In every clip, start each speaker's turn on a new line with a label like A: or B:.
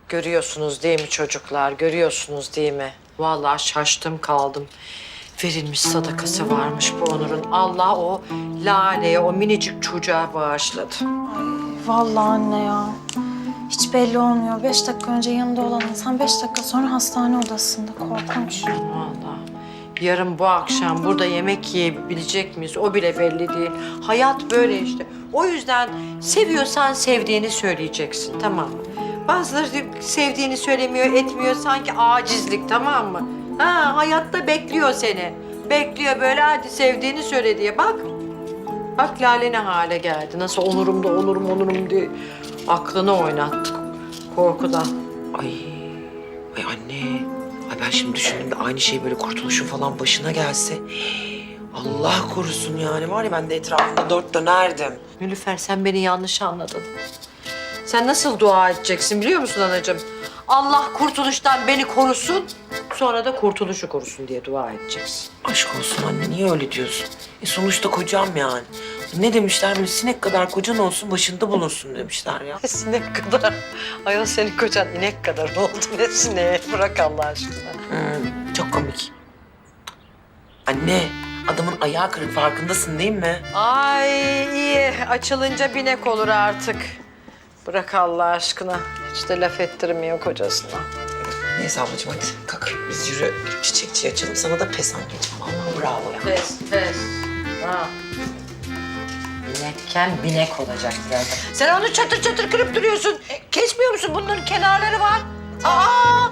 A: Görüyorsunuz değil mi çocuklar? Görüyorsunuz değil mi? Vallahi şaştım kaldım. Verilmiş sadakası varmış bu Onur'un. Allah o Lale'ye, o minicik çocuğa bağışladı.
B: Vallahi anne ya. Hiç belli olmuyor. 5 dakika önce yanında olan insan 5 dakika sonra hastane odasında. Korkunç.
A: Vallahi. Yarın bu akşam burada yemek yiyebilecek miyiz? O bile belli değil. Hayat böyle işte. O yüzden seviyorsan sevdiğini söyleyeceksin, tamam mı? Bazıları sevdiğini söylemiyor, etmiyor. Sanki acizlik, tamam mı? Ha, hayatta bekliyor seni. Bekliyor böyle, hadi sevdiğini söyle diye. Bak. Bak Lale ne hale geldi. Nasıl onurum diye aklını oynattı korkudan.
C: Ay anne. Ay ben şimdi düşündüm de aynı şey böyle Kurtuluş'un falan başına gelse. Allah korusun yani. Var ya ben de etrafında dört dönerdim.
A: Nilüfer, sen beni yanlış anladın. Sen nasıl dua edeceksin biliyor musun anacığım? Allah Kurtuluş'tan beni korusun, sonra da Kurtuluş'u korusun diye dua edeceksin.
C: Aşk olsun anne, niye öyle diyorsun? Sonuçta kocam yani. Ne demişler, böyle sinek kadar kocan olsun, başında bulunsun demişler ya.
A: Sinek kadar. Ayol senin kocan inek kadar oldu. Ne sineği? Bırak Allah aşkına.
C: Çok komik. Anne, adamın ayağı kırık, farkındasın değil mi?
A: Ay iyi. Açılınca binek olur artık. Bırak Allah aşkına. Hiç de laf ettirmiyor kocasına.
C: Neyse ablacığım hadi kalk. Biz yürü çiçekçi açalım. Sana da pes anneciğim. Vallahi bravo ya.
A: Pes. Ha. Binekken binek olacak birazdan. Sen onu çatır çatır kırıp duruyorsun. Kesmiyor musun? Bunların kenarları var. Aa!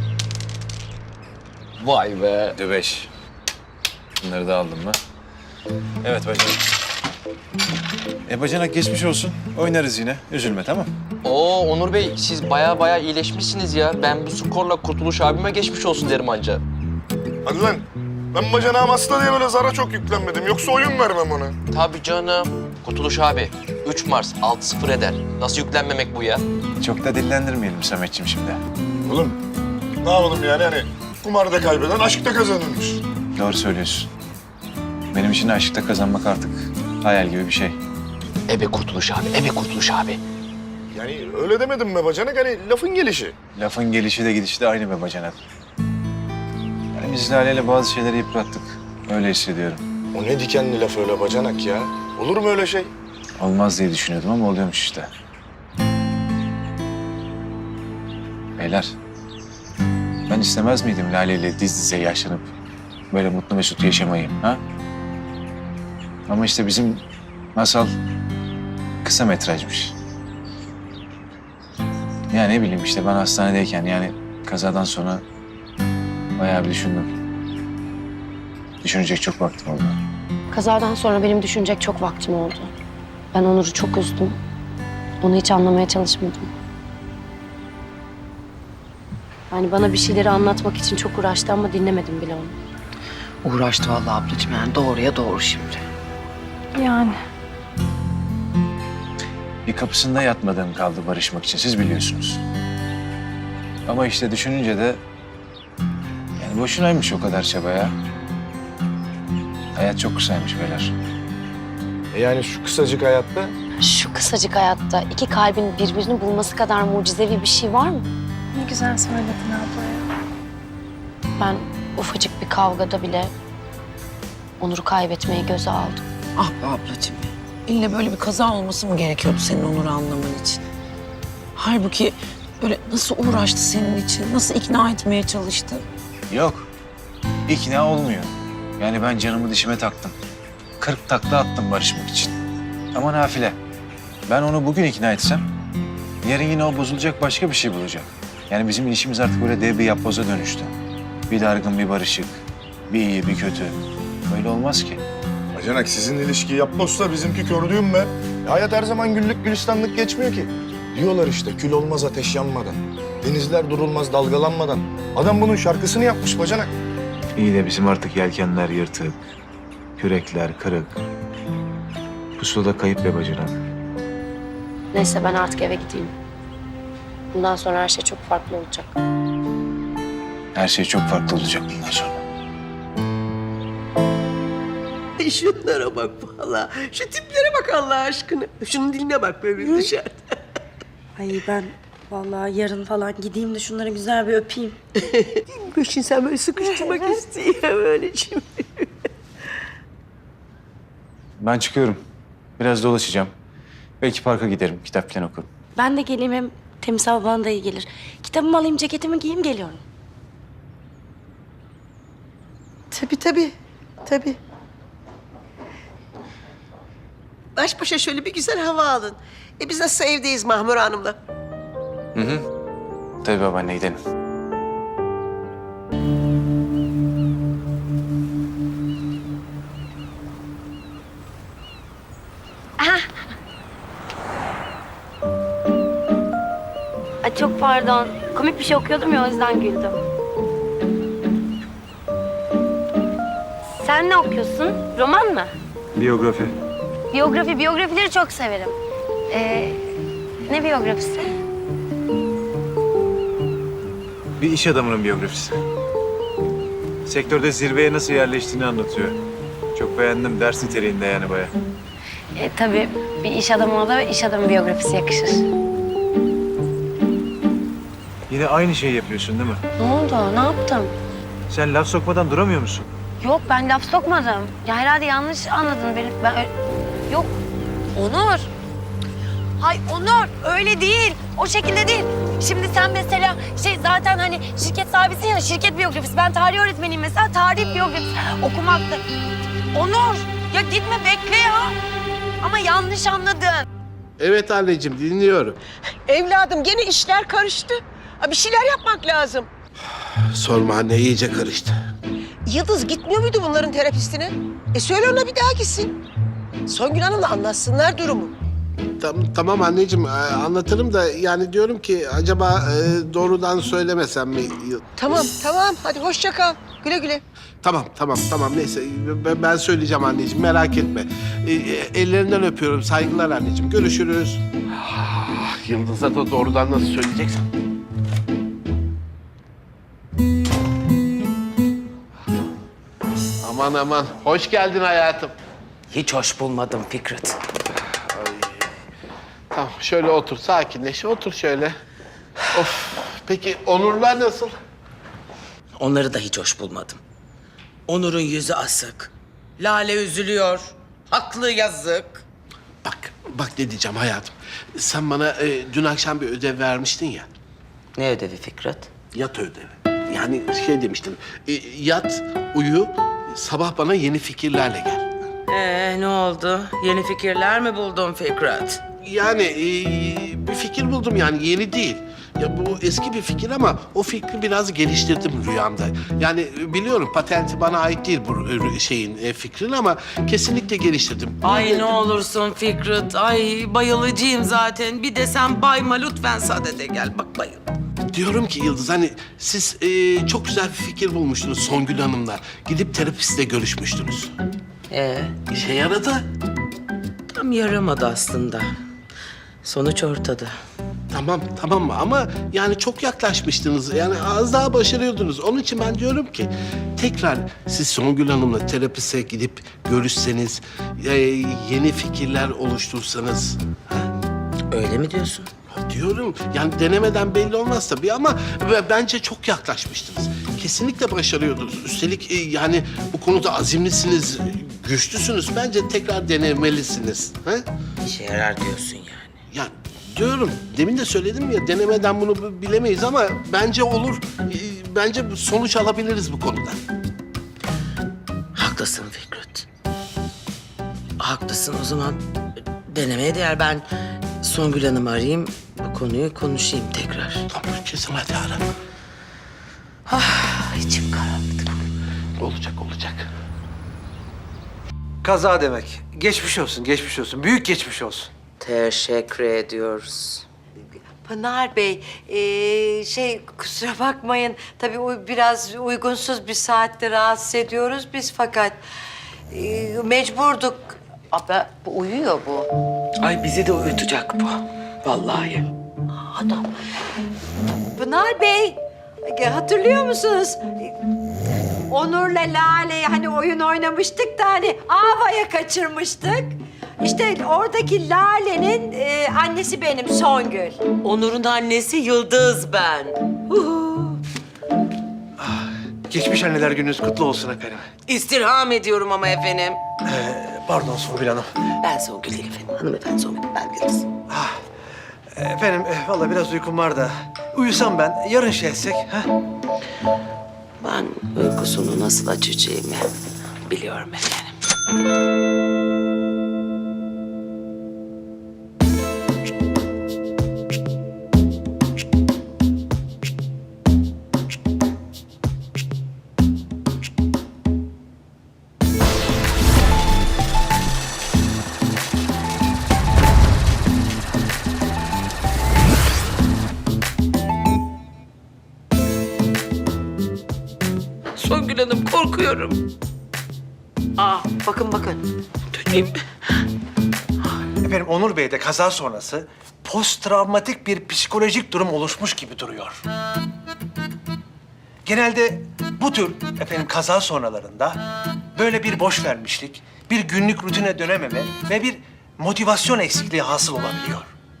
D: Vay be. Dübeş. Bunları da aldım mı? Evet bacanak. Bacanak geçmiş olsun. Oynarız yine. Üzülme tamam.
E: Oo Onur Bey, siz baya iyileşmişsiniz ya. Ben bu skorla Kurtuluş abime geçmiş olsun derim anca.
F: Hadi lan. Ben bacanağım hasta diye böyle zara çok yüklenmedim. Yoksa oyun vermem ona.
E: Tabii canım. Kurtuluş abi, 3 Mars 6-0 eder. Nasıl yüklenmemek bu ya?
D: Çok da dillendirmeyelim Sametciğim şimdi.
F: Oğlum ne yapalım yani hani kumarda kaybeden aşkta kazanırmış.
D: Doğru söylüyorsun. Benim için aşkta kazanmak artık hayal gibi bir şey.
E: Ebe Kurtuluş abi, ebe Kurtuluş abi.
F: Yani öyle demedim mi bacanak, hani lafın gelişi.
D: Lafın gelişi de gidişi de aynı be bacanak. Yani biz Lale'yle bazı şeyleri yıprattık. Öyle hissediyorum.
F: O ne dikenli laf öyle bacanak ya. Olur mu öyle şey?
D: Olmaz diye düşünüyordum ama oluyormuş işte. Beyler, ben istemez miydim Lale'yle diz dize yaşlanıp böyle mutlu mesut yaşamayı, ha? Ama işte bizim masal kısa metrajmış. Ya ne bileyim işte ben hastanedeyken yani kazadan sonra bayağı bir düşündüm. Düşünecek çok vaktim oldu.
G: Kazadan sonra benim düşünecek çok vaktim oldu. Ben Onur'u çok üzdüm. Onu hiç anlamaya çalışmadım. Yani bana bir şeyleri anlatmak için çok uğraştı ama dinlemedim bile onu.
C: Uğraştı vallahi ablacığım yani doğruya doğru şimdi.
B: Yani.
D: Bir kapısında yatmadığım kaldı barışmak için, siz biliyorsunuz. Ama işte düşününce de yani boşunaymış o kadar çaba ya. Hayat çok kısaymış beyler.
F: Yani şu kısacık hayatta
G: Şu kısacık hayatta iki kalbin birbirini bulması kadar mucizevi bir şey var mı?
B: Ne güzel söyledin abla ya.
G: Ben ufacık bir kavgada bile Onur'u kaybetmeyi göze aldım.
C: Ah be ablacığım. İlle böyle bir kaza olması mı gerekiyordu senin Onur'u anlaman için? Halbuki böyle nasıl uğraştı senin için, nasıl ikna etmeye çalıştı?
D: Yok, ikna olmuyor. Yani ben canımı dişime taktım. 40 takla attım barışmak için. Ama nafile. Ben onu bugün ikna etsem, yarın yine o bozulacak başka bir şey bulacak. Yani bizim ilişkimiz artık böyle dev bir yapboza dönüştü. Bir dargın, bir barışık, bir iyi, bir kötü. Böyle olmaz ki.
F: bacanak sizin ilişki yapmazsa bizimki kördüğüm be. Hayat her zaman güllük gülistanlık geçmiyor ki. Diyorlar işte kül olmaz ateş yanmadan. Denizler durulmaz dalgalanmadan. Adam bunun şarkısını yapmış bacanak.
D: İyi de bizim artık yelkenler yırtık, kürekler kırık. Pusulada kayıp be bacanak.
G: Neyse ben artık eve gideyim. Bundan sonra her şey çok farklı olacak.
D: Her şey çok farklı olacak bundan sonra.
H: Şunlara bak valla. Şu tiplere bak Allah aşkına. Şunun diline bak böyle dışarıda.
I: Ay ben Vallahi yarın falan gideyim de şunları güzel bir öpeyim.
H: Gülşin sen böyle sıkıştırmak istiyor öyleciğim.
D: Ben çıkıyorum. Biraz dolaşacağım. Belki parka giderim, kitap falan okurum.
I: Ben de geleyim, hem temiz hava bana da iyi gelir. Kitabımı alayım, ceketimi giyeyim, geliyorum.
H: Tabii. Baş başa şöyle bir güzel hava alın. Biz nasıl evdeyiz Mahmur Hanım'la?
D: Tabii babaanne, gidelim.
G: Ay çok pardon. Komik bir şey okuyordum ya, o yüzden güldüm. Sen ne okuyorsun? Roman mı?
D: Biyografi.
G: Biyografileri çok severim. Ne biyografisi?
D: Bir iş adamının biyografisi. Sektörde zirveye nasıl yerleştiğini anlatıyor. Çok beğendim. Ders niteliğinde yani bayağı.
G: Tabii bir iş adamına da iş adamı biyografisi yakışır.
D: Yine aynı şeyi yapıyorsun değil mi?
G: Ne oldu? Ne yaptım?
D: Sen laf sokmadan duramıyor musun?
G: Yok, ben laf sokmadım. Ya herhalde yanlış anladın beni. Yok. Onur. Hay Onur, öyle değil. O şekilde değil. Şimdi sen mesela zaten hani şirket sahibisin ya, şirket biyografisi. Ben tarih öğretmeniyim mesela, tarih biyografisi okumakta. Onur, ya gitme, bekle ya. Ama yanlış anladın.
J: Evet anneciğim, dinliyorum.
H: Evladım gene işler karıştı. Bir şeyler yapmak lazım.
J: Sorma anne, iyice karıştı.
H: Yıldız gitmiyor muydu bunların terapistine? Söyle ona bir daha gitsin. Songül Hanım'la anlatsınlar durumu.
J: Tamam anneciğim, anlatırım da yani diyorum ki acaba doğrudan söylemesem mi?
H: Tamam. Hadi hoşça kal. Güle güle.
J: Tamam neyse ben söyleyeceğim anneciğim, merak etme. Ellerinden öpüyorum, saygılar anneciğim, görüşürüz. Yıldız'a da doğrudan nasıl söyleyeceksin? Aman, hoş geldin hayatım.
C: Hiç hoş bulmadım Fikret.
J: Tamam, şöyle otur, sakinleş, otur şöyle. Of, peki Onurlar nasıl?
C: Onları da hiç hoş bulmadım. Onur'un yüzü asık. Lale üzülüyor. Haklı, yazık.
J: Bak ne diyeceğim hayatım. Sen bana dün akşam bir ödev vermiştin ya.
C: Ne ödevi Fikret?
J: Yat ödevi. Yani demiştin. Yat, uyu, sabah bana yeni fikirlerle gel.
C: Ne oldu? Yeni fikirler mi buldun Fikret?
J: Yani bir fikir buldum, yani yeni değil. Ya bu eski bir fikir ama o fikri biraz geliştirdim rüyamda. Yani biliyorum patenti bana ait değil bu fikrin ama kesinlikle geliştirdim.
C: Ay ne olursun Fikret. Ay bayılacağım zaten. Bir de sen bayma lütfen, sadede gel. Bak bayıl.
J: Diyorum ki Yıldız, hani siz çok güzel bir fikir bulmuştunuz Songül Hanım'la. Gidip terapistle görüşmüştünüz. İşe yaradı.
C: Tam yaramadı aslında. Sonuç ortada.
J: Tamam ama yani çok yaklaşmıştınız. Yani az daha başarıyordunuz. Onun için ben diyorum ki tekrar siz Songül Hanım'la terapiste gidip görüşseniz, yeni fikirler oluştursanız.
C: Öyle mi diyorsun?
J: Diyorum yani, denemeden belli olmaz tabii ama bence çok yaklaşmıştınız. Kesinlikle başarıyordunuz. Üstelik yani bu konuda azimlisiniz, güçlüsünüz. Bence tekrar denemelisiniz. Ha?
C: İşe yarar diyorsun yani.
J: Ya diyorum, demin de söyledim ya, denemeden bunu bilemeyiz ama bence olur. Bence sonuç alabiliriz bu konuda.
C: Haklısın Fikret. Haklısın, o zaman denemeye değer. Ben Songül Hanım'ı arayayım, bu konuyu konuşayım tekrar.
J: Tamam, kesin hadi ara.
C: İçim karardı.
J: Olacak.
K: Kaza demek. Geçmiş olsun. Büyük geçmiş olsun.
C: Teşekkür ediyoruz.
A: Pınar Bey, kusura bakmayın. Tabii biraz uygunsuz bir saatte rahatsız ediyoruz biz, fakat mecburduk. Bu uyuyor bu.
C: Ay bizi de uyutacak bu. Vallahi.
A: Adam. Pınar Bey, hatırlıyor musunuz? Onur'la Lale hani oyun oynamıştık da hani Ava'ya kaçırmıştık. İşte oradaki Lale'nin annesi benim Songül.
C: Onur'un annesi Yıldız ben.
K: Geçmiş anneler gününüz kutlu olsun efendim.
C: İstirham ediyorum ama efendim.
K: Pardon Songül Hanım.
C: Ben Songül değil efendim. Hanımefendi Songül, ben Yıldız.
K: Efendim vallahi biraz uykum var da. Uyusam ben, yarın şey etsek. Ha?
C: Ben uykusunu nasıl açacağımı biliyorum efendim. Songül Hanım korkuyorum.
A: Bakın bakın.
C: Döneyim.
K: Efendim Onur Bey'de kaza sonrası posttraumatik bir psikolojik durum oluşmuş gibi duruyor. Genelde bu tür efendim kaza sonralarında böyle bir boş vermişlik, bir günlük rutine dönememe ve bir motivasyon eksikliği hasıl olabiliyor.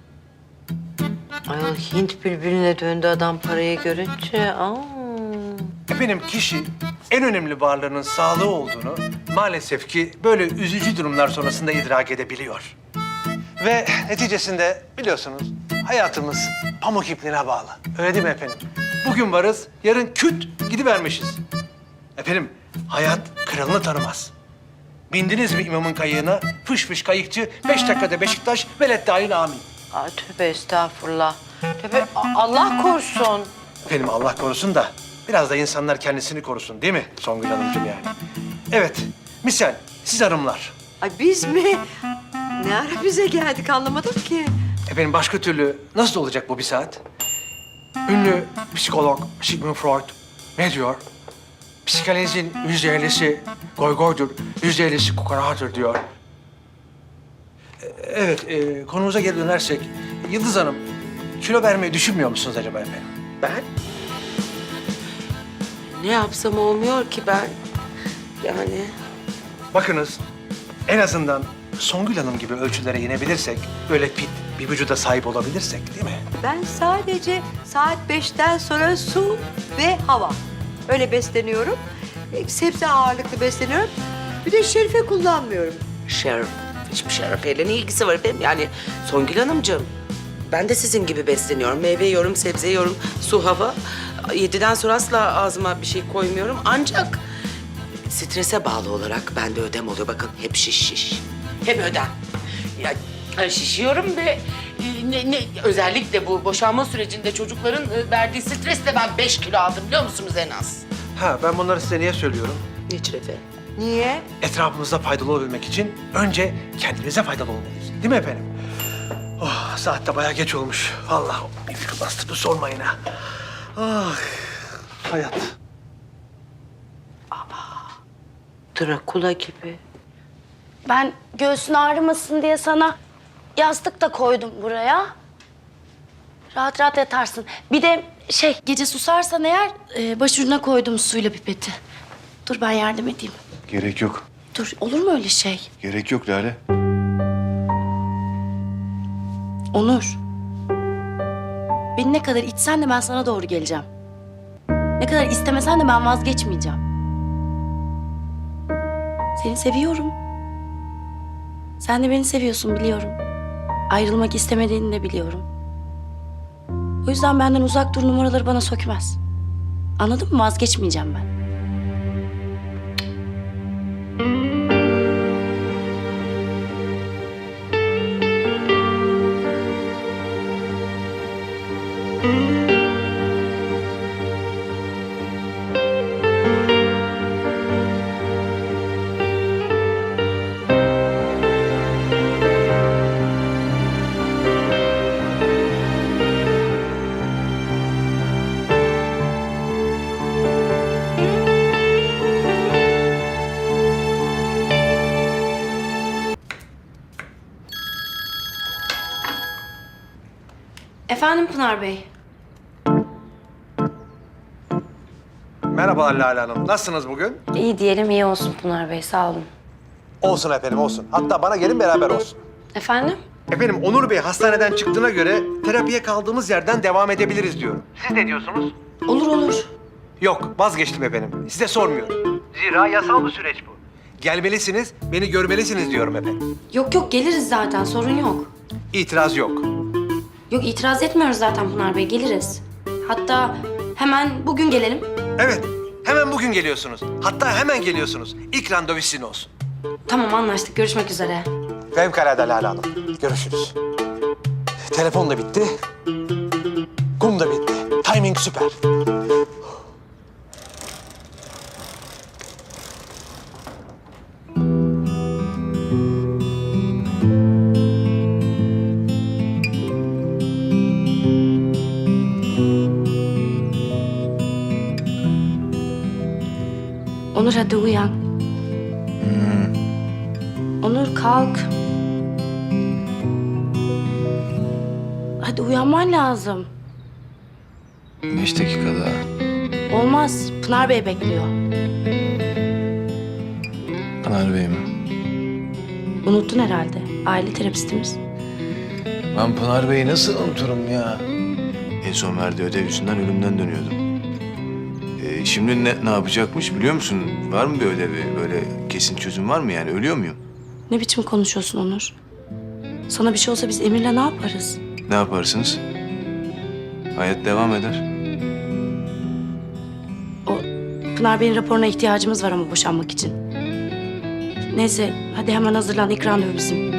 A: Ayol Hint bülbülüne döndü adam parayı görünce.
K: Efendim kişi en önemli varlığının sağlığı olduğunu maalesef ki böyle üzücü durumlar sonrasında idrak edebiliyor. Ve neticesinde biliyorsunuz hayatımız pamuk ipliğine bağlı. Öyle değil mi efendim? Bugün varız, yarın küt gidivermişiz. Efendim hayat kralını tanımaz. Bindiniz mi imamın kayığına? Fış fış kayıkçı, 5 dakikada Beşiktaş, velet dahil amin.
A: Tövbe estağfurullah. Tövbe Allah korusun.
K: Efendim Allah korusun da biraz da insanlar kendisini korusun değil mi Songül Hanımcığım yani? Evet, misal siz hanımlar.
A: Ay biz mi? Ne ara bize geldik anlamadım ki.
K: Efendim başka türlü nasıl olacak bu bir saat? Ünlü psikolog Sigmund Freud ne diyor? Psikanalizin %50'si goygoydur, %50'si kukaradır diyor. Evet, konumuza geri dönersek Yıldız Hanım kilo vermeyi düşünmüyor musunuz acaba efendim?
C: Ben? Ne yapsam olmuyor ki ben. Yani
K: Bakınız en azından Songül Hanım gibi ölçülere inebilirsek, böyle fit bir vücuda sahip olabilirsek değil mi?
A: Ben sadece saat 5'ten sonra su ve hava. Öyle besleniyorum. Sebze ağırlıklı besleniyorum. Bir de şerife kullanmıyorum.
C: şeref, hiçbir şerefeyle ne ilgisi var efendim? Yani Songül Hanımcığım, ben de sizin gibi besleniyorum. Meyve yiyorum, sebze yiyorum, su, hava. 7'den sonra asla ağzıma bir şey koymuyorum. Ancak strese bağlı olarak bende ödem oluyor. Bakın hep şiş. Hep ödem. Ya, şişiyorum ve özellikle bu boşanma sürecinde çocukların verdiği stresle ben 5 kilo aldım biliyor musunuz en az?
K: Ha ben bunları size niye söylüyorum?
C: Niçin efendim?
A: Niye?
K: Etrafımızda faydalı olabilmek için önce kendimize faydalı olmalıyız. Değil mi efendim? Oh, saat de bayağı geç olmuş. Vallahi bir fikir bastırdı sormayın ha. Ah, hayat.
A: Drakula gibi.
I: Ben göğsün ağrımasın diye sana yastık da koydum buraya. Rahat rahat yatarsın. Bir de gece susarsan eğer başucuna koydum suyla pipeti. Dur ben yardım edeyim.
F: Gerek yok.
I: Dur olur mu öyle şey?
F: Gerek yok Lale.
I: Onur. Beni ne kadar içsen de ben sana doğru geleceğim. Ne kadar istemesen de ben vazgeçmeyeceğim. Seni seviyorum. Sen de beni seviyorsun biliyorum. Ayrılmak istemediğini de biliyorum. O yüzden benden uzak dur numaraları bana sökmez. Anladın mı? Vazgeçmeyeceğim ben. Efendim Pınar Bey.
K: Merhaba Lale Hanım. Nasılsınız bugün?
I: İyi diyelim iyi olsun Pınar Bey sağ olun.
K: Olsun efendim, olsun. Hatta bana gelin beraber olsun.
I: Efendim?
K: Efendim, Onur Bey hastaneden çıktığına göre terapiye kaldığımız yerden devam edebiliriz diyorum. Siz ne diyorsunuz?
I: Olur olur.
K: Yok, vazgeçtim efendim. Size sormuyorum. Zira yasal bir süreç bu. Gelmelisiniz, beni görmelisiniz diyorum efendim.
I: Yok yok geliriz zaten sorun yok.
K: İtiraz yok.
I: Yok itiraz etmiyoruz zaten Pınar Bey geliriz. Hatta hemen bugün gelelim.
K: Evet, hemen bugün geliyorsunuz. Hatta hemen geliyorsunuz. İlk randevu sizin olsun.
I: Tamam anlaştık görüşmek üzere.
K: Fevkalade Lale Hanım. Görüşürüz. Telefon da bitti. Kum da bitti. Timing süper.
I: Onur hadi uyan. Onur kalk. Hadi uyanman lazım.
D: 5 dakika daha.
I: Olmaz. Pınar Bey bekliyor.
D: Pınar Bey mi?
I: Unuttun herhalde. Aile terapistimiz.
D: Ben Pınar Bey'i nasıl unuturum ya? En son verdiği ödev yüzünden ölümden dönüyordum. Şimdi ne yapacakmış biliyor musun? Var mı bir ödevi? Böyle kesin çözüm var mı yani? Ölüyor muyum?
I: Ne biçim konuşuyorsun Onur? Sana bir şey olsa biz Emir'le ne yaparız?
D: Ne yaparsınız? Hayat devam eder.
I: O Pınar Bey'in raporuna ihtiyacımız var ama boşanmak için. Neyse hadi hemen hazırlan. İlk randevu bizim.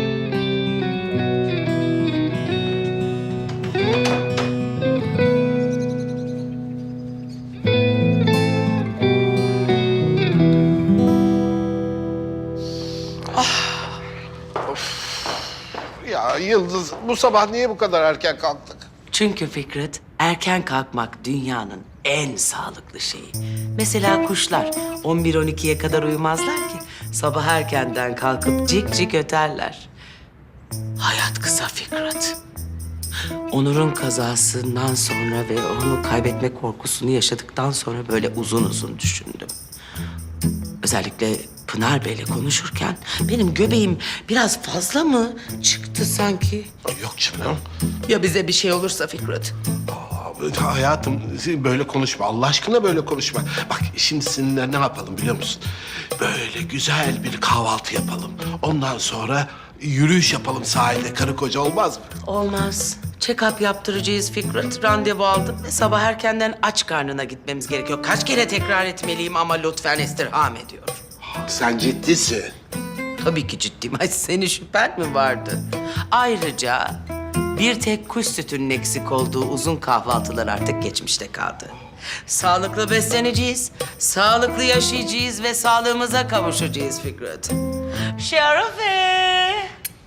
J: Ya Yıldız, bu sabah niye bu kadar erken kalktık?
C: Çünkü Fikret, erken kalkmak dünyanın en sağlıklı şeyi. Mesela kuşlar 11-12'ye kadar uyumazlar ki sabah erkenden kalkıp cik cik öterler. Hayat kısa Fikret. Onur'un kazasından sonra ve onu kaybetme korkusunu yaşadıktan sonra böyle uzun uzun düşündüm. Özellikle Pınar Bey'le konuşurken benim göbeğim biraz fazla mı çıktı sanki?
J: Yok canım.
C: Ya bize bir şey olursa Fikret?
J: Hayatım böyle konuşma. Allah aşkına böyle konuşma. Bak şimdi seninle ne yapalım biliyor musun? Böyle güzel bir kahvaltı yapalım. Ondan sonra yürüyüş yapalım sahilde. Karı koca olmaz mı?
C: Olmaz. Check-up yaptıracağız Fikret. Randevu aldım ve sabah erkenden aç karnına gitmemiz gerekiyor. Kaç kere tekrar etmeliyim ama lütfen istirham ediyor.
J: Sen ciddisin.
C: Tabii ki ciddiyim. Ay senin şüphen mi vardı? Ayrıca bir tek kuş sütünün eksik olduğu uzun kahvaltılar artık geçmişte kaldı. Sağlıklı besleneceğiz, sağlıklı yaşayacağız ve sağlığımıza kavuşacağız Fikret. Şerife!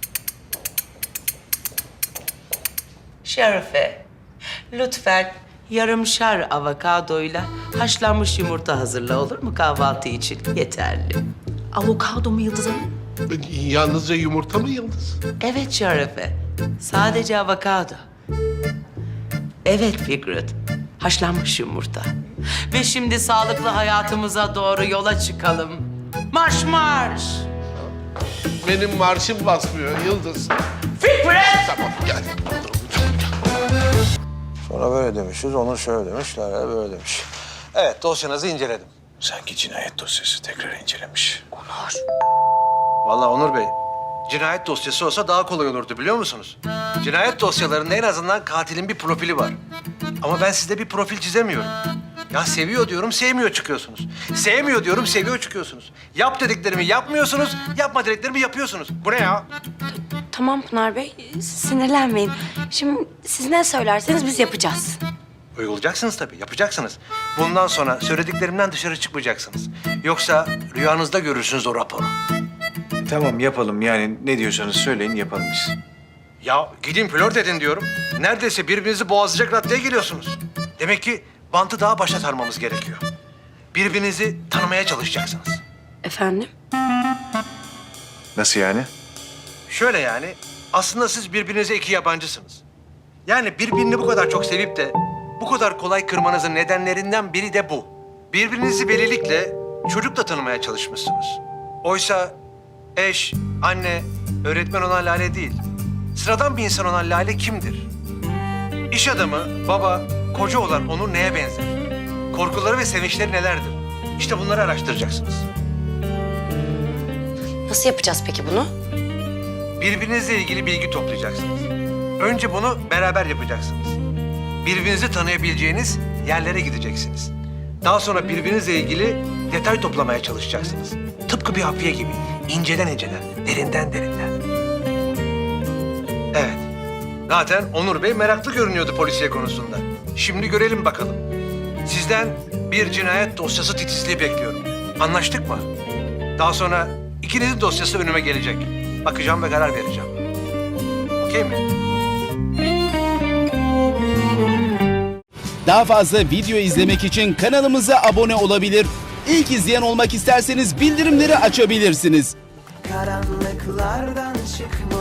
C: Şerife, lütfen yarımşar avokadoyla haşlanmış yumurta hazırla olur mu kahvaltı için? Yeterli. Avokado mu Yıldız Hanım?
J: Yalnızca yumurta mı Yıldız?
C: Evet Şerife, sadece avokado. Evet Fikret, haşlanmış yumurta. Ve şimdi sağlıklı hayatımıza doğru yola çıkalım. Marş marş!
J: Benim marşım basmıyor Yıldız.
C: Fikret!
J: Tamam gel.
K: Sonra böyle demişiz, Onur şöyle demiş, Lale böyle demiş. Evet, dosyanızı inceledim.
D: Sanki cinayet dosyası tekrar incelemiş.
K: Vallahi Onur Bey, cinayet dosyası olsa daha kolay olurdu biliyor musunuz? Cinayet dosyalarında en azından katilin bir profili var. Ama ben size bir profil çizemiyorum. Ya seviyor diyorum, sevmiyor çıkıyorsunuz. Sevmiyor diyorum, seviyor çıkıyorsunuz. Yap dediklerimi yapmıyorsunuz, yapma dediklerimi yapıyorsunuz. Bu ne ya?
I: Tamam Pınar Bey sinirlenmeyin. Şimdi siz ne söylerseniz biz yapacağız.
K: Uygulayacaksınız tabii, yapacaksınız. Bundan sonra söylediklerimden dışarı çıkmayacaksınız. Yoksa rüyanızda görürsünüz o raporu.
D: Tamam yapalım yani ne diyorsanız söyleyin yapalım biz.
K: Ya gidin flört edin diyorum. Neredeyse birbirinizi boğazlayacak raddeye geliyorsunuz. Demek ki bantı daha başa sarmamız gerekiyor. Birbirinizi tanımaya çalışacaksınız.
I: Efendim?
D: Nasıl yani?
K: Şöyle yani, aslında siz birbirinize iki yabancısınız. Yani birbirini bu kadar çok sevip de bu kadar kolay kırmanızın nedenlerinden biri de bu. Birbirinizi velilikle çocukla tanımaya çalışmışsınız. Oysa eş, anne, öğretmen olan Lale değil. Sıradan bir insan olan Lale kimdir? İş adamı, baba, koca olan Onur neye benzer? Korkuları ve sevinçleri nelerdir? İşte bunları araştıracaksınız.
G: Nasıl yapacağız peki bunu?
K: Birbirinizle ilgili bilgi toplayacaksınız. Önce bunu beraber yapacaksınız. Birbirinizi tanıyabileceğiniz yerlere gideceksiniz. Daha sonra birbirinizle ilgili detay toplamaya çalışacaksınız. Tıpkı bir hafiye gibi. İnceden inceden, derinden derinden. Evet. Zaten Onur Bey meraklı görünüyordu polisiye konusunda. Şimdi görelim bakalım. Sizden bir cinayet dosyası titizliği bekliyorum. Anlaştık mı? Daha sonra ikinizin dosyası önüme gelecek. Bakacağım ve karar vereceğim. Okey mi?
L: Daha fazla video izlemek için kanalımıza abone olabilir. İlk izleyen olmak isterseniz bildirimleri açabilirsiniz.
M: Karanlıklardan çıkma